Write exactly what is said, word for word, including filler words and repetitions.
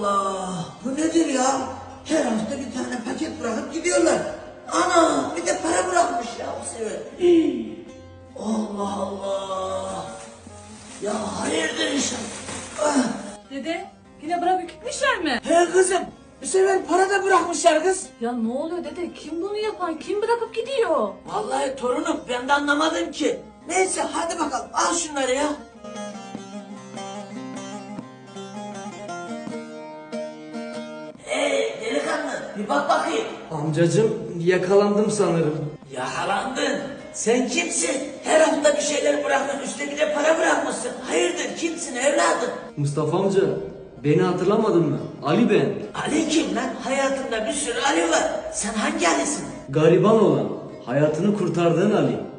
Allah! Bu nedir ya? Her hafta bir tane paket bırakıp gidiyorlar. Ana! Bir de para bırakmış ya bu sefer. Hii. Allah Allah! Ya hayırdır inşallah. Ah. Dede yine bırakıp gitmişler mi? He kızım, bu sefer para da bırakmışlar kız. Ya ne oluyor dede? Kim bunu yapan? Kim bırakıp gidiyor? Vallahi torunum, ben de anlamadım ki. Neyse hadi bakalım, al şunları ya. Hey delikanlı, bir bak bakayım. Amcacım yakalandım sanırım. Yakalandın. Sen kimsin? Her hafta bir şeyler bıraktın, üstüne bir de para bırakmışsın. Hayırdır, kimsin evladım? Mustafa amca beni hatırlamadın mı? Ali ben. Ali kim lan? Hayatımda bir sürü Ali var. Sen hangi Ali'sin? Gariban olan, hayatını kurtardığın Ali.